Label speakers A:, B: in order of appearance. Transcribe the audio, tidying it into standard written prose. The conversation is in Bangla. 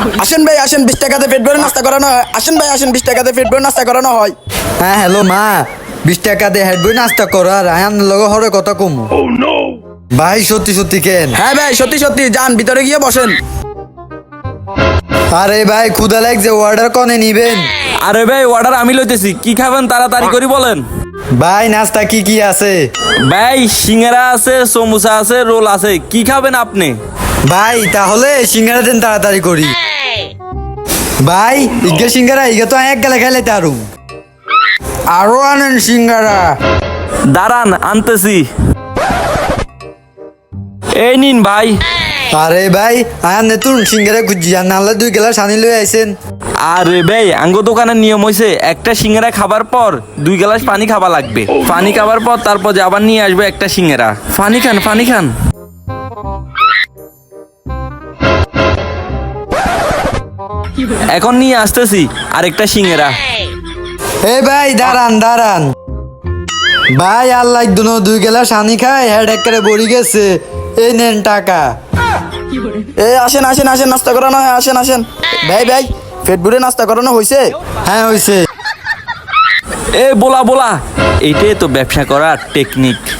A: আসেন ভাই আসেন, 20 টাকাতে পেট ভরে নাস্তা করানো হয়। আসেন ভাই আসেন, 20 টাকাতে পেট ভরে নাস্তা করানো হয়।
B: হ্যাঁ হ্যালো মা, 20 টাকা দিয়ে হেড বই নাস্তা করার আয়ান লগে হরে কথা কমু। ভাই সত্যি সত্যি কেন?
A: হ্যাঁ ভাই সত্যি সত্যি, যান ভিতরে গিয়ে বসেন।
B: আরে ভাই ক্ষুদা লাগছে, অর্ডার কনে নিবেন?
C: আরে ভাই অর্ডার আমি লইতেছি, কি খাবেন তাড়াতাড়ি করে বলেন।
B: ভাই নাস্তা কি কি আছে?
C: ভাই সিঙ্গারা আছে, সমোসা আছে, রোল আছে, কি খাবেন আপনি?
B: ভাই তাহলে সিঙ্গারা দেন তাড়াতাড়ি করি। ভাই ইগে সিঙ্গারা ইগে তো এক গেলে খাইলে তারু। আরো আনেন সিঙ্গারা।
C: দাঁড়ান আনতেছি। এই নিন ভাই।
B: আরে ভাই আয়ান নেতুন সিঙ্গারা খুঁজি আর নাহলে 2 গেলা সানি লই আইছেন।
C: আরে ভাই আঙ্গো দোকানের নিয়ম হয়েছে একটা সিঙ্গারা খাবার পর 2 গ্লাস পানি খাওয়া লাগবে। পানি খাবার পর তারপর যে আবার নিয়ে আসবে একটা সিঙ্গারা। পানি খান পানি খান। এখন নিয়ে আসতেছি আরেকটা সিঙ্গারা।
B: এ ভাই দাঁড়ান দাঁড়ান। ভাই আল্লাহ দুনো 2 গেলা সানি খায় হেড একেবারে বড়ি গেছে। এই নেন টাকা।
A: এ আসেন আসেন আসেন, নাস্তা করানো হয়, আসেন আসেন। ভাই ভাই পেট ভরে নাস্তা করানো হয়েছে?
B: হ্যাঁ হইছে।
C: এ বলা বলা, এইটাই তো ব্যবসা করার টেকনিক।